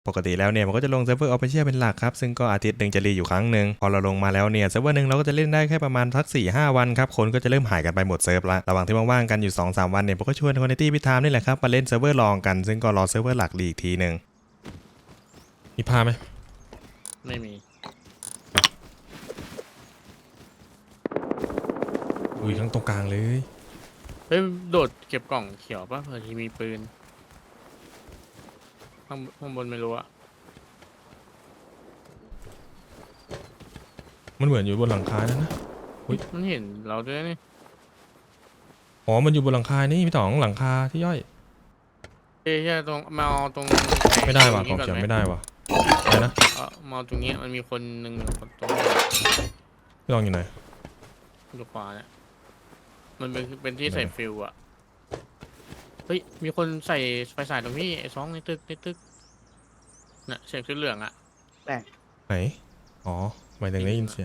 ปกติแล้วเนี่ยมันก็จะลงเซิร์ฟเวอร์ออฟฟิเชียลเป็นหลักครับซึ่งก็อาทิตย์หนึ่งจะรีอยู่ครั้งหนึ่งพอเราลงมาแล้วเนี่ยเซิร์ฟเวอร์หนึ่งเราก็จะเล่นได้แค่ประมาณสัก 4-5 วันครับคนก็จะเริ่มหายกันไปหมดเซิร์ฟละระหว่างที่ว่างๆกันอยู่ 2-3 วันเนี่ยผมก็ชวนคนในที่พิธามนี่แหละครับมาเล่นเซิร์ฟเวอร์รองกันซึ่งก็รอเซิร์ฟเวอร์หลักรีอีกทีหนึ่งมีพาไหมไม่มีอุ้ยทั้งตรงกลางเลยเฮ้ยโดดเก็บกล่องเขียวป่ะเผื่อที่มีปืนข้างบนไม่รู้อะมันเหมือนอยู่บนหลังคานั่นนะมันเห็นเราด้วยนี่อ๋อมันอยู่บนหลังคานี่พี่ต๋องหลังคาที่ย่อยเอ้ยตรงมาเอาตรงไม่ได้ว่ะกล่องเขียวไม่ได้ว่ะอะไรนะมาเอาตรงนี้มันมีคนหนึ่งคนตรงพี่ต๋องอยู่ไหนอยู่ขวาเนี่ยมันเป็นที่ใส่ฟิวอะเฮ้ยมีคนใส่ไฟฉายตรงนี้ไอ้2ในตึกน่ะเสียงชุดเหลืองอะไหนอ๋อหมายถึงได้ยินเสียง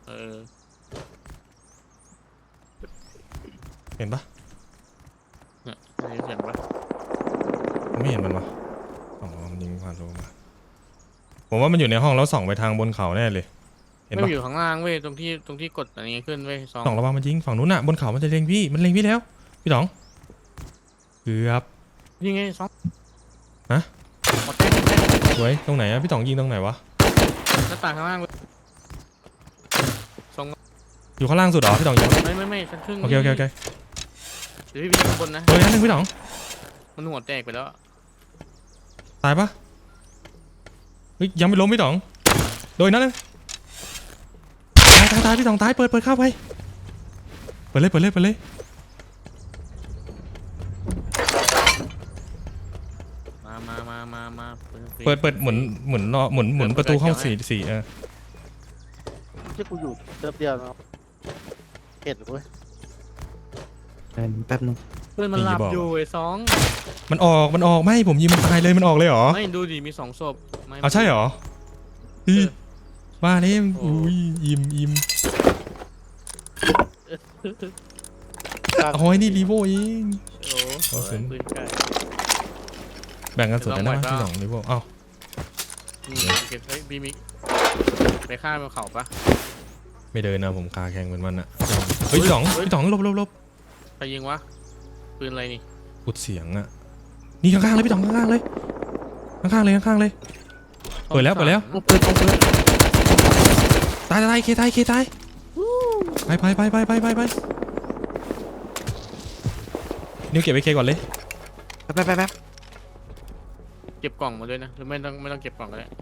เห็นปะเนี่ยได้ยินเสียงปะไม่เห็นมันวะอ๋อมันยิงผ่านโลมาผมว่ามันอยู่ในห้องแล้วส่องไปทางบนเขาแน่เลยเห็นปะไม่อยู่ข้างล่างเว้ยตรงที่กดอะไรเงี้ยขึ้นเว้ยส่องระวังมันยิงฝั่งนู้นน่ะบนเขามันจะเล็งพี่มันเล็งพี่แล้วพี่ต๋องเกือบยิงไงฮะหมดเต้นสวยตรงไหนอะพี่ต๋องยิงตรงไหนวะหน้าต่างข้างล่างเลยอยู่ข้างล่างสุดเหรอพี่ต๋องยิงไม่ชั้นครึ่งโอเคเเดี๋ยวพี่ข้างบนนะโดยนั้นหนึ่งพี่ต๋องมันหัวแตกไปแล้วตายปะเฮ้ยยังไม่ล้มพี่ต๋องโดยนั้นเลยตายพี่ต๋องตายเปิดเข้าไปเปิดเลยเปิดหมุนประตูเข้าสี่ที่กูอยู่เติมเดียวนะครับเห็นเว้ยแป๊บนึงเพื่อนมันหลับอยู่ไอ้มันออกไม่ผมยิงมันตายเลยมันออกเลยเหรอไม่ดูดิมี2ศพเอาใช่เหรอว่าเนี่ยอุ้ยยิ้มโอ้ยนี่รีโวเองโอ้ปืนไก่แบ่งกันสุดเลยนะพี่สองรีโวเอ้าเก็บบีมิกไปฆ่าบนเขาปะไม่เดินนะผมคาแข่งเหมือนมันอะเฮ้ยพี่สองลบใครยิงวะปืนอะไรนี่อุดเสียงอะนี่ข้างๆเลยพี่สองข้างๆเลยข้างๆเลยเปิดแล้วตายเคตายไปนิ้วเก็บไว้เคก่อนเลยแป๊บเก็บกล่องมาด้วยนะหรือไม่ต้องเก็บกล่องก็ได้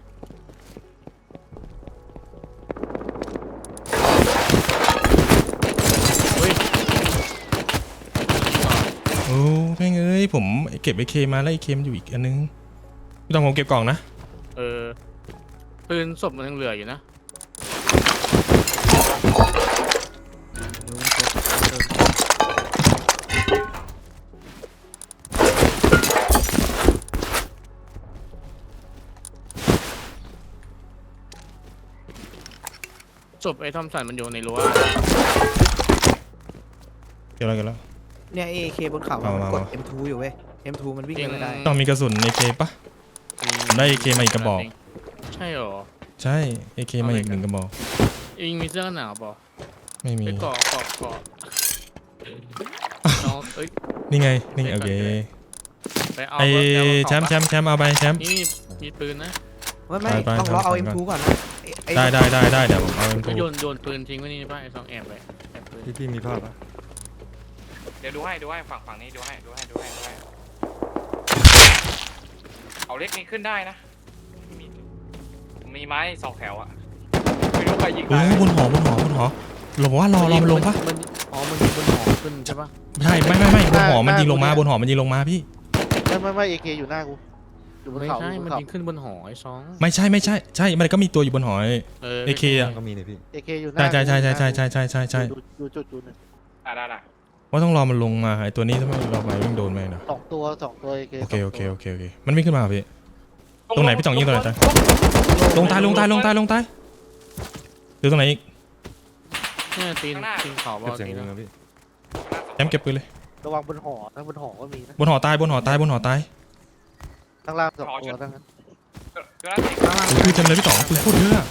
โอ้แม่งเอ้ยผมเก็บไอ้เคมาแล้วไอ้เคมันอยู่อีกอันนึงพี่ต้องผมเก็บกล่องนะปืนศพมันยังเหลืออยู่นะศพไอ้ทอมสันมันอยู่ในรั้วเก็บแล้วเนี่ยAK บนเขามันกด M2 อยู่เว้ย M2 มันวิ่งไม่ได้ต้องมีกระสุนในเคปะได้เคมาอีกกระบอกใช่หรอใช่เคมาอีก1 กระบอกยิงมีเสื้อกันหนาวป่ะไม่มีไปเกาะน้องนี่ไงโอเคไอ้แชมป์เอาไปแชมป์นี่มีปืนนะไม่ต้องรอเอา M2 ก่อนนะได้เดี๋ยวผมเอา M2 โยนปืนทิ้งไว้นี่ป่ะไอ้2แอบไปพี่มีภาพปะเดี๋ยวดูให้ฝั่งนี้ดูให้เอาเล็กนี้ขึ้นได้นะมีไม้2 แถวอะไม่รู้ใครยิงบนหอเราบอกว่ารอมันลงปะมันยิงบนหอขึ้นใช่ปะใช่ไม่บนหอมันยิงลงมาพี่ไม่AK อยู่หน้ากูอยู่บนเขาไม่ใช่มันยิงขึ้นบนหอไอ้ไม่ใช่มันก็มีตัวอยู่บนหอAK อ่ะก็มีเลยพี่ AK อยู่หน้าใช่ดูจุดนึงได้ว่าต้องรอมันลงมาไอ้ตัวนี้ถ้าไม่เราไปวิ่งโดนไหมนะ 2 ตัว AK โอเคมันวิ่งขึ้นมาพี่ตรงไหนพี่จ่องยิงตรงไหนลงตายหรือตรงไหนอีกเนี่ยตีนเขาบอลตีนพี่แชมป์เก็บปืนเลยระวังบนหอนะบนหอก็มีนะบนหอตายข้างล่าง2 ตัวทั้งนั้นตัวนั้นอีกปืนเต็มเลยพี่ต๋องปืนโคตรเยอะอะ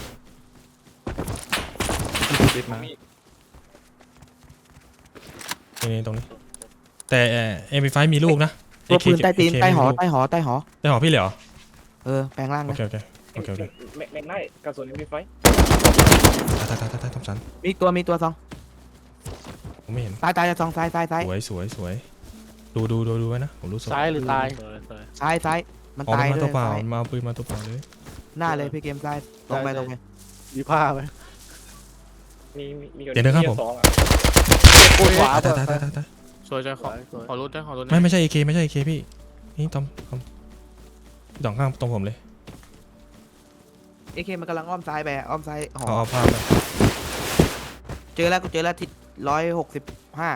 นี่ตรงนี้แต่MP5 มีลูกนะตัวปืน AK ใต้ตีน AK ใต้หอมีลูกใต้หอใต้หอใต้หอพี่เหรอแปลงร่างโอนะเคโอเคโอเคโอเคแม็กได้กระสุนมีไฟตายทำฉันมีตัวซองผมไม่เห็นตายซองซ้ายสวยดูไว้นะผมรู้สึกซ้ายหรือตายซ้ายมันออกตายมาด้ตัววยเปล่าซ้ายมาเอาปืนมาตัวเปล่าเลยหน้าเลยพี่เกมซ้ายตรงไปมีผ้าไหมมีเดี๋ยวนะครับผมสองอ่ะโอ้ยขวาตายสวยใจขอสวยขอรุดได้ขอรุดไม่ใช่ AK ไม่ใช่ AK พี่นี่ตอมพี่ต๋องข้างตรงผมเลยเอเคมันกำลังอ้อมซ้ายไปอ้อมซ้ายหอเอาภาพไปเจอแล้วที่165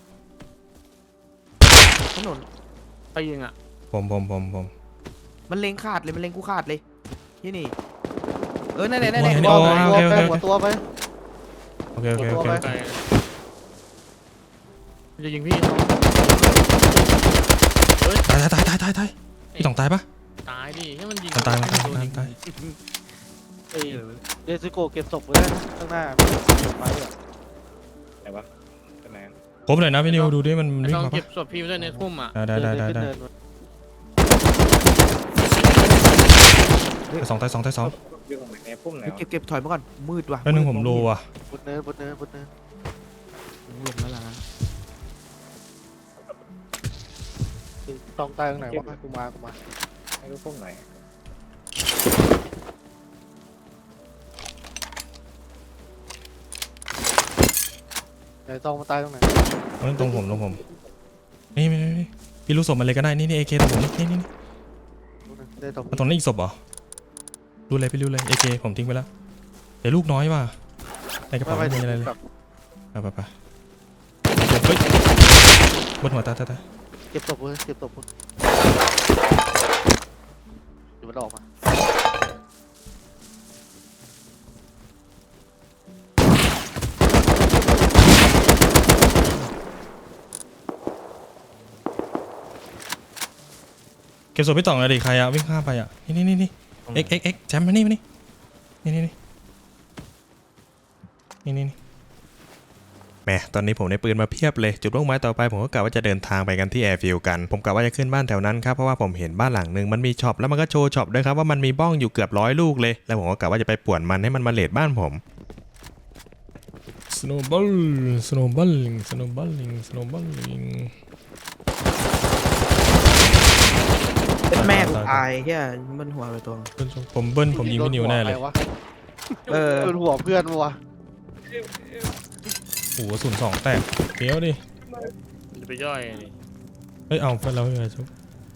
ถนนไปยิงอ่ะผมมันเล็งขาดเลยมันเล็งกูขาดเลยที่นี่นั่นหัวตัวไปโอเคไกลจะยิงพี่ตายพี่ต๋องตายปะตายดิให้มันยิงตายเอ้ยเดซิโกเก็บศพไว้นะข้างหน้าไปอ่ะไหนวะเป็นไหนผมหน่อยนะพี่นิวดูดิมันไม่วิ่งต้องมาเก็ปะบศพพี่ไว้ด้วยในทุ่มอ่ะได้ขึ้นเนินมาสองตายอยู่ตรงไหนในพุ่มไหนวะเก็บถอยมาก่อนมืดว่ะแล้วนึงผมโลว่ะบนเนินลงแล้วล่ะต้องตายตรงไหนวะกูมาไม่รู้พุ่มไหนไหนต้องมาตายตรงไหนตรงผมนี่พี่รู้ศพมันเลยก็ได้นี่ AK ตรงผมนี่ได้ตรงตรงนั้นอีกศพเหรอรู้เลยพี่รู้เลย AK ผมทิ้งไปแล้วเดี๋ยวลูกน้อยว่ะในกระเป๋าไม่มีอะไรเลยไปเฮ้ยบนหัวตาเก็บศพเก็บศพเดี๋ยวมันออกมาเก็บศพพี่ต๋องเลยดิใครอะวิ่งข้ามไปอะนี่เอ็กแจมมานี่นี่แหมตอนนี้ผมได้ปืนมาเพียบเลยจุดมุ่งหมายต่อไปผมก็กะว่าจะเดินทางไปกันที่แอร์ฟิลด์กันผมกะว่าจะขึ้นบ้านแถวนั้นครับเพราะว่าผมเห็นบ้านหลังนึงมันมีช็อปแล้วมันก็โชว์ช็อปด้วยครับว่ามันมีบ้องอยู่เกือบ100 ลูกเลยแล้วผมก็กะว่าจะไปป่วนมันให้มันมาเลดบ้านผม snowballing เป็นแม่กูตายแค่มันหัวไปตัวผมเบิ้ลผมยิงพี่นิวแน่เลยเป็นหัวเพื่อนวะโอ้โห02แตกเกี้ยวดิจะไปย่อยดิเฮ้ยเอาเพื่อนเราเลยชุบ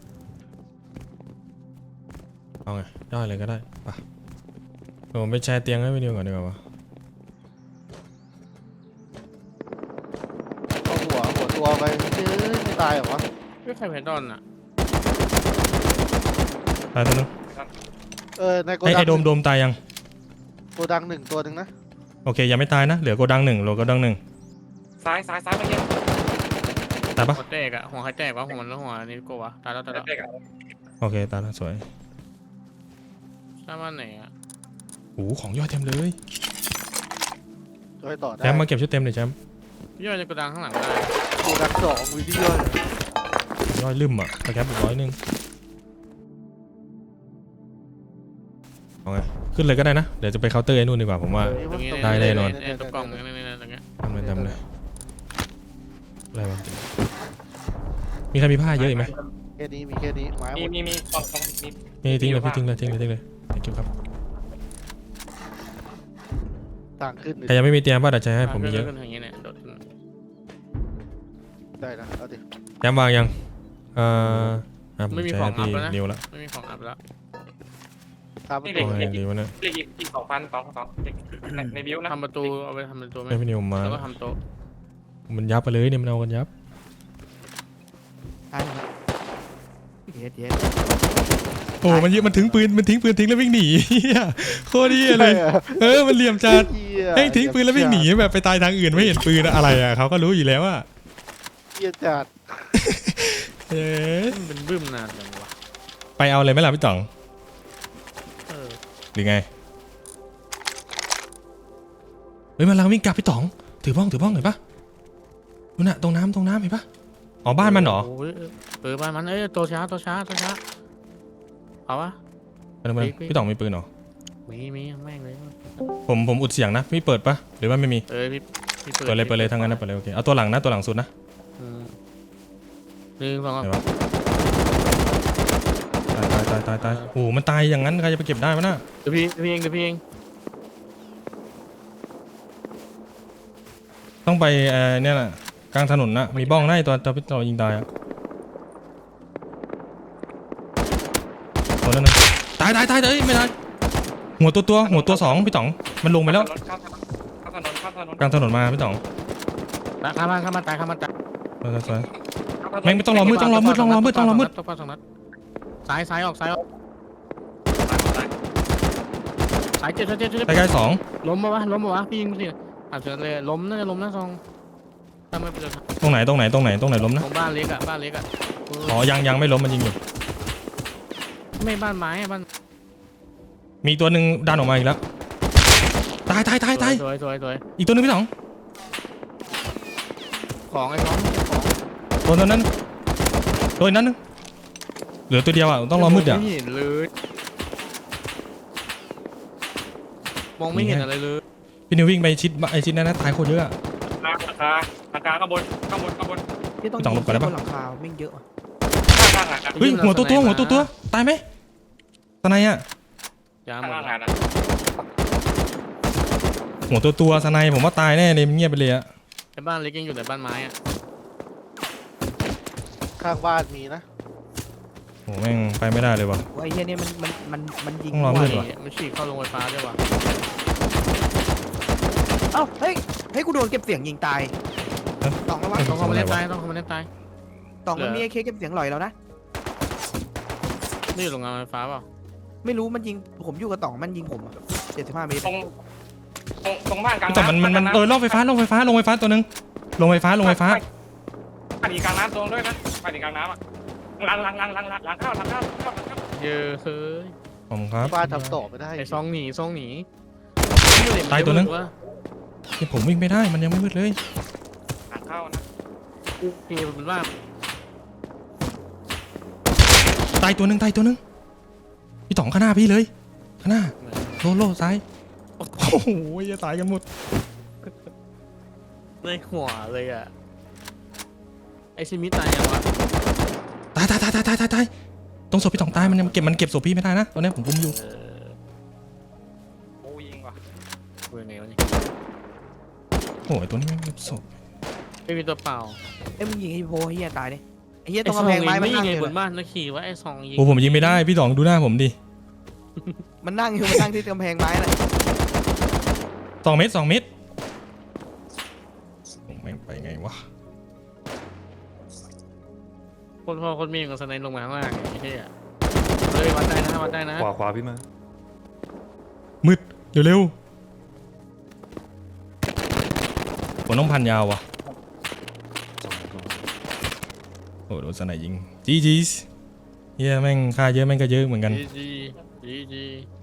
เอาไงได้เลยก็ได้ปะผมไปแชร์เตียงให้พี่นิวก่อนดีกว่าวะเอาหัวตัวไปไม่ตายหรอวะไม่ใครแพนดอนอ่ะตายตัวนึงในโกไอ้ดังโดมตายยังโกดัง1ตัวหนึ่งนะโอเคยังไม่ตายนะเหลือโกดัง1เหลือโกดัง1 ซ้ายเมื่อกี้ตายปะหัวแตกอ่ะหัวใครแตกวะหัวมันแล้วหัวนี่กูวะตายแล้วเด็กอ่ะโอเคตายแล้วสวยหน้าบ้านไหนอ่ะโอ้โหของยอดเต็มเลยช่วยต่อได้แชมป์มาเก็บชุดเต็มเลยแชมป์พี่ย่อยจะกระดังข้างหลังได้โกดัง2วิดีโอยอดลืมอ่ะไปแคปอีก100เอาไงขึ้นเลยก็ได้นะเดี๋ยวจะไปเคาน์เตอร์ไอ้นู่นดีกว่าผมว่าตรงนี้ได้แน่นอนตัวกล่องนี่ตรงเนี้ยทำเลยอะไรวะมีใครมีผ้าเยอะอีกไหมแค่นี้มีแค่นี้ไม้หมดมีกล่องมีนี่ทิ้งเลยพี่ทิ้งเลยเก็บครับต่างขึ้นใครยังไม่มีเตรียมบ้าเดี๋ยวใช้ให้ผมมีเยอะขึ้นอย่างเงี้ยเนี่ยโดดขึ้นได้นะเอาดิแชมป์วางยังผมไม่มีใช้ของให้อัพพี่แล้วนะนิวละไม่มีของอัพแล้วตามมันโอ้ยดีวะเนี่ยเรียกอีก2,000 2ในบิวนะทำประตูเอาไปทำประตูไหมให้พี่นิวมาแล้วก็ทำโต๊ะมันยับไปเลยเนี่ยมันเอากันยับตายแล้วเย็ดโอ้มันเยอะมันทิ้งปืนทิ้งแล้ววิ่งหนีโคตรดีเลยมันเหลี่ยมจัดแม่งทิ้งปืนแล้ววิ่งหนีแบบไปตายทางอื่นไม่เห็นปืนอะไรอ่ะเขาก็รู้อยู่แล้วอ่ะเหี้ยจัดมันเป็นบึ้มนานจังวะไปเอาเลยไหมล่ะพี่ต๋องหรือไงเฮ้ยมันกำลังวิ่งกลับพี่ต๋องถือบ้องเห็นปะนู่นน่ะตรงน้ำเห็นปะอ๋อบ้านมันเหรอโยบ้านมันตัวช้าเอาวะไปพี่ต๋องมีปืนเหรอมีแม่งเลยผมอุดเสียงนะพี่เปิดปะหรือว่าไม่มีพี่เปิดเลยทั้งนั้นนะเปิดเลยโอเคเอาตัวหลังนะตัวหลังสุดนะหนึ่งสองไหนวะตายโอ้โหมันตายอย่างนั้นใครจะไปเก็บได้วะน่ะเดี๋ยวพี่เองต้องไปเนี่ยน่ะกลางถนนน่ะมีบ้องได้ตัวพี่ต๋องยิงตายอะตัวนั้นนะตายเอ้ยไม่ตายหัวตัวสองพี่ต๋องมันลงไปแล้วข้ามถนนกลางถนนมาพี่ต๋องข้ามมาตายสวยแม่งไม่ต้องรอมืดต้องรอมืดต้องปัดสองนัดซ้ายออกซ้ายเจ็ดใกล้ๆสองล้มปะวะพี่ยิงสิเฉยเลยล้มน่าจะล้มนะซองทำไมเป็นตรงไหนล้มนะตรงบ้านเล็กอ่ะอ๋อยังไม่ล้มมันยิงอยู่ไม่บ้านไม้บ้านมีตัวหนึ่งดันออกมาอีกแล้วตายสวยอีกตัวหนึงพี่ต๋องของไอ้ของตัวนั้นตัวนั้นนึงเหลือตัวเดียวอ่ะต้องรอมืดอ่ะไม่เห็นเลยมองไม่เห็นอะไรเลยพี่นิววิ่งไปชิดนั้นนะตายโคตรเยอะอะหลังคาข้างบนพี่ต้องพี่ต้องหลบก่อนได้ปะบนหลังคาแม่งเยอะว่ะข้างๆเฮ้ยหัวตัวตายไหมสไนอ่ะยาหมข้าดงๆนะหัวตัวสไนผมว่าตายแน่เลยมันเงียบไปเลยอ่ะไอ้บ้านเล็กยังอยู่ในบ้านไม้อ่ะข้างบ้านมีนะโหแม่งไปไม่ได้เลยว่ะว่าไอ้เหี้ยเนี่ยมันยิงต้องรอมืด ว่ะมันฉีกเข้าโรงไฟฟ้าด้วยว่ะเอ้าเฮ้ยกูโดนเก็บเสียงยิงตายตองระวังต้องเข้ามาเล่นตายตองมันมีไอ้เคเก็บเสียงหลอยแล้วนะนี่อยู่โรงงานไฟฟ้าเปล่าไม่รู้มันยิงผมอยู่กับตองมันยิงผมอะ75 เมตรตรงบ้านกลางแต่มันล่องไฟฟ้าตัวนึงลงไฟฟ้าปาดีกลางน้ำตรงด้วยนะปาดีกลางน้ำอ่ะหลังเข้าเยอะเฮ้ยผมครับบ้านทำต่อไม่ได้ไอ้ซองหนีตายตัวนึง ที่ผมวิ่งไม่ได้มันยังไม่มืดเลยหลังเข้านะพี่เป็นว่าตายตัวนึงพี่ต๋องข้างหน้าพี่เลยข้างหน้าโลซ้ายโอ้โหจะตายกันหมดในหัวเลยอ่ะไอชิมิตายยังวะตายตรงศพพี่ต๋องตายมันยังเก็บศพพี่ไม่ได้นะตอนนี้ผมกุมอยู่โอ้ยิงว่ะเวรไงวะนี่โอ้ยตัวนี้ไม่เก็บศพไม่มีตัวเปล่าเอ้ยมึงยิงไอ้โพไอ้เหี้ยตายเนี่ยไอ้เหี้ยตรงกำแพงไม้มันยินั่งงไงอยู่บนบ้านแล้วขี่ว่าไอ้ซองยิงโอ้ผมยิงไม่ได้พี่ต๋องดูหน้าผมดิมันนั่งที่กำแพงไม้น่ะ 2 เมตรแม่งไปไงวะคนพ่อคนแม่กับสไนลงมาข้างล่างไอ้เหี้ยเลยวัดได้นะขวาพี่มามืดเร็วผมต้องพันยาววะโอ้โดนสไนยิงจีเฮียแม่งค่าเยอะแม่งก็เยอะเหมือนกันจี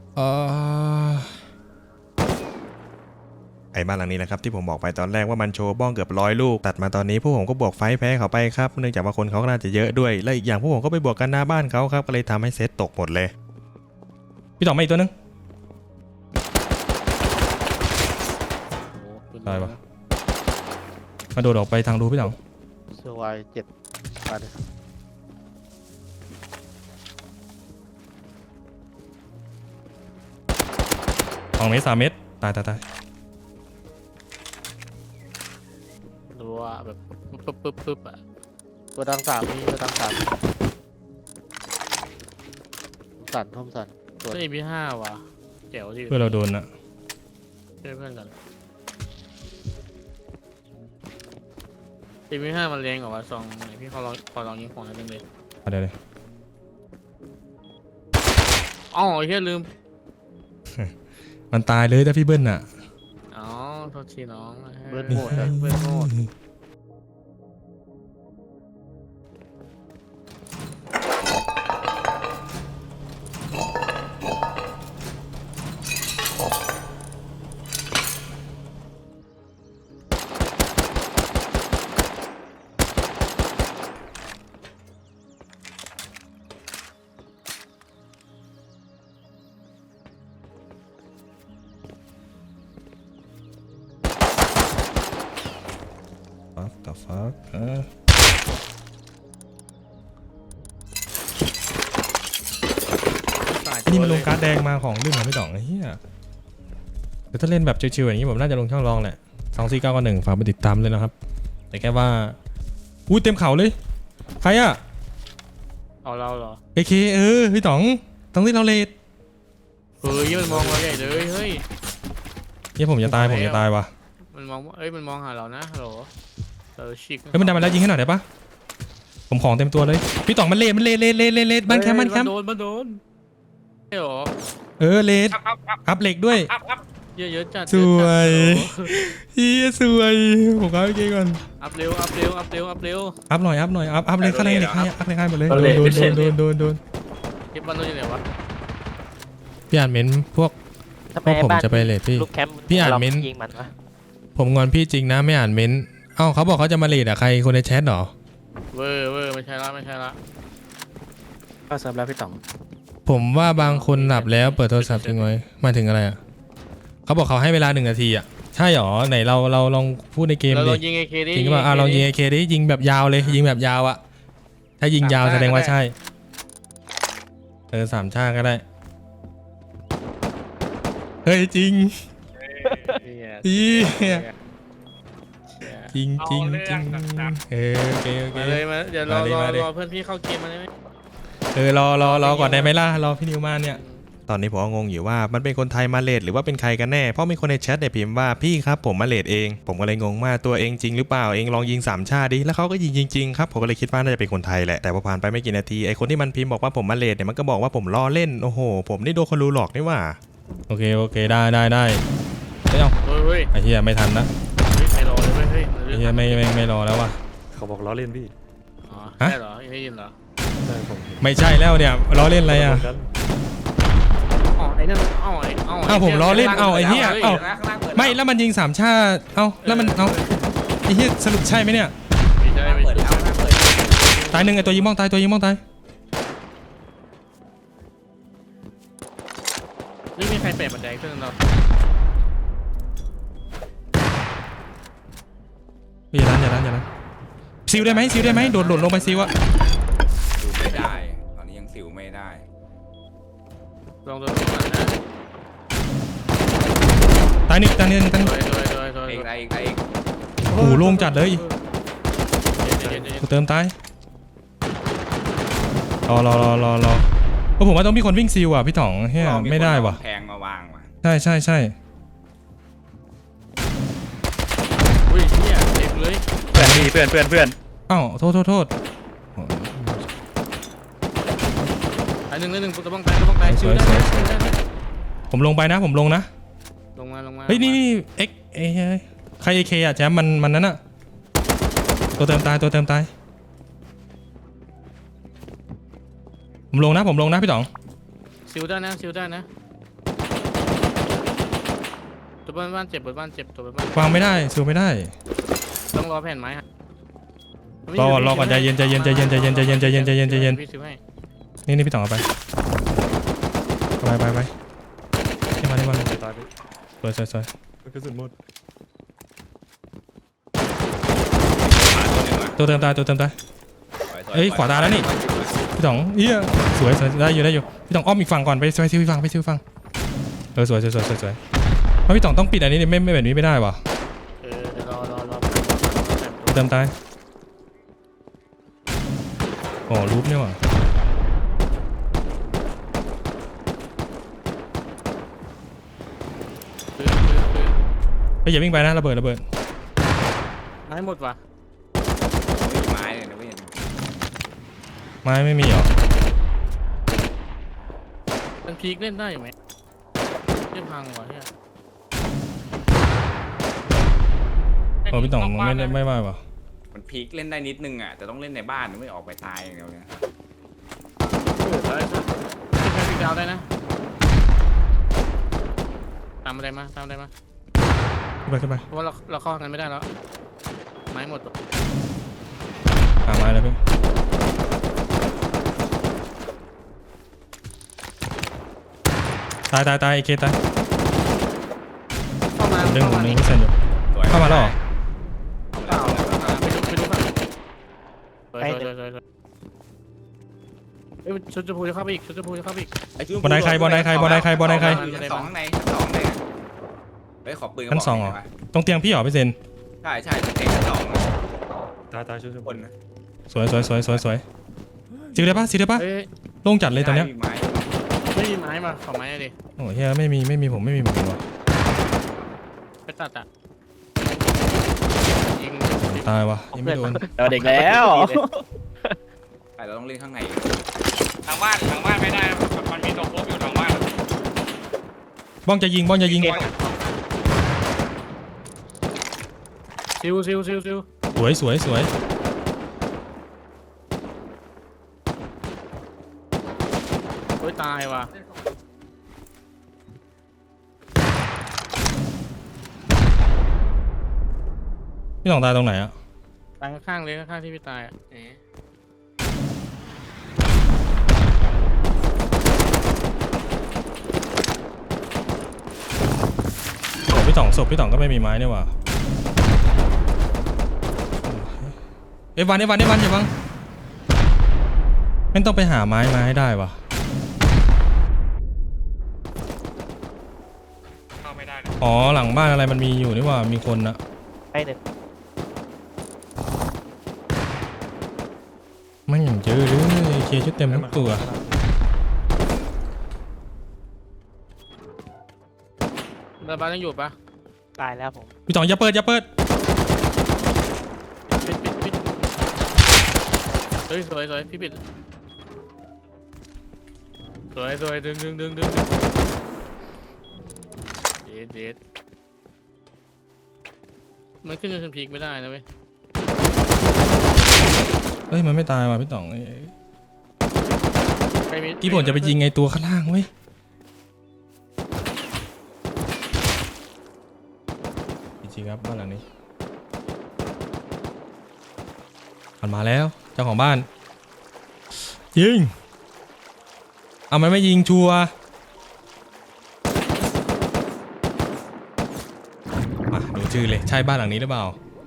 ไอ้บ้านหลังนี้นะครับที่ผมบอกไปตอนแรกว่ามันโชว์บ้องเกือบ100 ลูกตัดมาตอนนี้พวกผมก็บวกไฟแพ้เขาไปครับเนื่องจากว่าคนเขาก็น่าจะเยอะด้วยและอีกอย่างพวกผมก็ไปบวกกันหน้าบ้านเขาครับก็เลยทำให้เซตตกหมดเลยพี่ต่อมาอีกตัวนึงตายวะกระโดดออกไปทางรูพี่ต่อเซอร์ไว7มาเลย 2 เมตร 3 เมตรตายดูว่าแบบปึ๊บอ่ะตัวดัง3มีตัวดัง3ทอมสันก็เอ็มพี5ว่ะเจ๋วที่เพื่อเราโดนอะเพื่อนกันเอ็มพี5มันแรงกว่าซองไหนพี่ขอลองยิงของนิดนึงเลยเดี๋ยวอ๋อเฮียลืมมันตายเลยถ้าพี่เบิ้ลอะอ๋อโทษทีน้องเบิร์นโหมดอะเบิร์นโหมด Fuck the fuck นี่มันลงการ์ดแดงมาของลื่นเหรอพี่ต๋องไอ้เหี้ยเดี๋ยวถ้าเล่นแบบชิวๆอย่างนี้ผมน่าจะลงช่องรองแหละ24991ฝากไปติดตามเลยนะครับแต่แค่ว่าอุ้ยเต็มเขาเลยใครอะเอาเราเหรอ AK พี่ต๋องต้องที่เราเลดเฮ้ยมันมองเราใหญ่เลยเฮ้ยเนี่ยผมจะตายว่ะมันมองมันมองหาเรานะฮัลโหลเราชิกเฮ้ยมันดันมาแล้วยิงให้หน่อยได้ปะผมของเต็มตัวเลยพี่ต๋องมันเลดบ้านแคมป์มันโดนใช่หรอเลดครับอัพเหล็กด้วยครับเยอะจัดสวยเฮียสวยผมเอาไปเกก่อนอัพเร็วอัพหน่อยอัพเลยข้างในเหล็กให้อัพเลยข้างหมดเลยโดนเก็บบ้านเราอยู่ไหนวะพี่อ่านเม้นพวกทำไมผมบ้านจะไปเลทพี่ลูกแคมป์พี่อ่านเม้นต์ยิงมันวะผมงอนพี่จริงนะไม่อ่านเม้นเอ้าเขาบอกเขาจะมาเลทอะใครคนในแชทหรอเวอร์ไม่ใช่ละก็สำหรับพี่ต๋องผมว่าบางคนหลับแล้วเปิดโทรศัพท์ทิ้งไว้หมายถึงอะไรอะเขาบอกเขาให้เวลา1 นาทีอะใช่หรอไหนเราลองพูดในเกมเราลดิองยิงAKดิจริงป่ะลองยิง AK ดิยิงแบบยาวเลยยิงแบบยาวอะถ้ายิงยาวแสดงว่าใช่3 ชาติก็ได้เฮ้ยจริงจริงโอเคมาเลยมาเดี๋ยวรอเพื่อนพี่เข้าเกมมาได้ไหมรอก่อนได้ไหมล่ะรอพี่นิวมาเนี่ยตอนนี้ผมก็งงอยู่ว่ามันเป็นคนไทยมาเลทหรือว่าเป็นใครกันแน่เพราะมีคนในแชทเนี่ยพิมพ์ว่าพี่ครับผมมาเลทเองผมก็เลยงงว่าตัวเองจริงหรือเปล่าเองลองยิง3 ชาติดิแล้วเขาก็ยิงจริงๆครับผมก็เลยคิดว่าน่าจะเป็นคนไทยแหละแต่พอผ่านไปไม่กี่นาทีไอคนที่มันพิมพ์บอกว่าผมมาเลทเนี่ยมันก็บอกว่าผมล้อเล่นโอ้โหผมนี่โดนคนรู้หลอกนี่ว่าโอเคได้ไม่เอาเฮ้ยไอ้เหี้ยไม่ทันนะไม่รอเลยเฮ้ยไอ้เหี้ยไม่รอแล้วว่ะเขาบอกล้อเล่นพี่อ๋อใช่เหรอยังได้ยินเหรอใช่ผมไม่ใช่แล้วเนี่ยล้อเล่นอะไรอ่ะอ๋อไอ้นั่นอ้าวผมล้อเล่นเอาไอ้เหี้ยเอาข้างล่างเปิดไม่แล้วมันยิง3 ชาติเอ้าแล้วมันเอาไอ้เหี้ยสรุปใช่ไหมเนี่ยไม่ใช่เปิดแล้วเปิดตายหนึ่งไอ้ตัวยิงมองตายไม่มีใครเปิดบันไดขึ้นเราอย่านั้นซิลได้ไหมโดดลงไปซิวอะซิลไม่ได้ ตอนนี้ยังซิลไม่ได้ลองตัวก่อนนะตายหนึ่งโดยอีกอีกโอ้โหโล่งจัดเลยเย็นกูเติมตายรอผมว่าต้องมีคนวิ่งซิลอ่ะพี่ต๋องเฮียไม่ได้ว่ะแพงมาวางว่ะใช่อุ้ยเนี่ยเด็กเลยเพื่อนพี่เพื่อนอ้าวโทษอันหนึ่งตัวบ้องไปชิวได้ผมลงไปนะลงนะลงมาเฮ้ยนี่เอ็กใคร AK อ่ะแจมมันนั้นอ่ะตัวเติมตายผมลงนะพี่ต๋องชิวได้นะตัวบ้านเจ็บตัวบ้านวางไม่ได้ซิลไม่ได้ต้องรอแผ่นไม้ฮะรอก่อนใจเย็นพี่ต๋องเอาไปนี่มาตายไปสวยกระสุนหมดตัวหนึ่งว่ะตัวเติมตายเอ้ยขวาตายแล้วนี่พี่ต๋องเอี้ยสวยได้อยู่พี่ต๋องอ้อมอีกฝั่งก่อนไปซิวฝั่งสวยเพราะพี่ต๋องต้องปิดอันนี้ไม่แบบนี้ไม่ได้ว่ะเดี๋ยวรอเติมตายอ๋อรูปเนี่ยว่ะไปอย่าวิ่งไปนะระเบิดให้หมดว่ะมีไม้เลยนะเว้ยไม้ไม่มีหรอมันพีคเล่นได้ไหมเล่นพังว่ะเนี่ยโอ้พี่ต๋องไม่ว่าว่ะมันพีคเล่นได้นิดนึงอ่ะแต่ต้องเล่นในบ้านไม่ออกไปตายอย่างเดียวเนี่ยได้ใช่พีคดาวได้นะามอะไรมาตามอะไรมาขึ้นไปเพราะว่าเราเข้ากันไม่ได้แล้วไม้หมดหาไม้แล้วพี่ตายไอเคตายเข้ามาดึงเข้าผมมาดึงพี่เซนอยู่สวยเข้ามาแล้วเหรอเปล่าไปดูฝั่งสวยเอ้ยชุดชมพูจะเข้าไปอีกชุดชมพูจะเข้าไปอีกไอ้ชุบนไดใครบนไดใครชั้นสองข้างในชั้นสองเลยเฮ้ยขอปืนกระชั้บนสองเหรอหน่ยตรงเตียงพี่เหรอพี่เซนใช่ตรงเตียงชั้นสองตายช่วยคนนะสวยสิได้ปะเฮ้ยโล่งจัดเลยตอนเนี้ยได้มีไม้ไม่มีไม้มาขอไม้ดิโอ้เฮียไม่มีผมไม่มีเหมือนกันวะไปตัดอ่ะยิงตายวะยังไม่โดนเราเด็กแล้วใช่เราต้องเล่นข้างในทางบ้านไม่ได้นะมันมีตัวโคบอยู่ทางบ้านบ้องจะยิงซิวสวยโอ้ยตายว่ะพี่สองตายตรงไหนอะตายข้างๆเลยข้างๆที่พี่ตายอ่ะศพพี่สองก็ไม่มีไม้เนี่ยว่ะเอวันอย่าบังไม่ต้องไปหาไม้มาให้ได้ว่ะเข้าไม่ได้เลยอ๋อหลังบ้านอะไรมันมีอยู่นี่ว่ามีคนนะไอ้หนึ่งไม่อย่างเจอเลยเคชุดเต็มทั้งตัวระบาดยังอยู่ปะตายแล้วผมพี่สองอย่าเปิดปิดเฮ้ยสวยพี่ปิดสวยดึงเด็ดมันขึ้นจนพีกไม่ได้นะเว้ยเฮ้ยมันไม่ตายว่ะพี่ต๋องใครมีกี่ผมจะไปยิงไงตัวข้างล่างเว้ยจริงๆครับบ้านหลังนี้มันมาแล้วเจ้าของบ้านยิงเอามันไม่ยิงชัวร์มาดูชื่อเลยใช่บ้านหลังนี้หรือเปล่า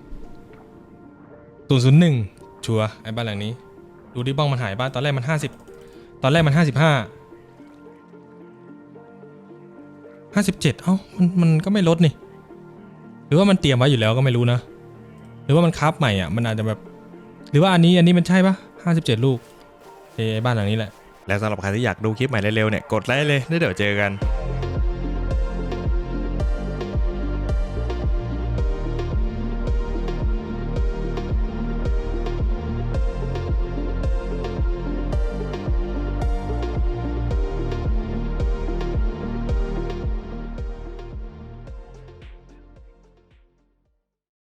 001ชัวร์ไอ้บ้านหลังนี้ดูดิบ้องมันหายบ้านตอนแรกมัน50ตอนแรกมัน55 57เอ้ามันก็ไม่ลดนี่หรือว่ามันเตรียมไว้อยู่แล้วก็ไม่รู้นะหรือว่ามันคับใหม่อ่ะมันอาจจะแบบหรือว่าอันนี้มันใช่ปะ57 ลูกไอ้บ้านหลังนี้แหละและสำหรับใครที่อยากดูคลิปใหม่เร็วๆเนี่ยกดไลค์เลยแล้วเดี๋ยวเจอกัน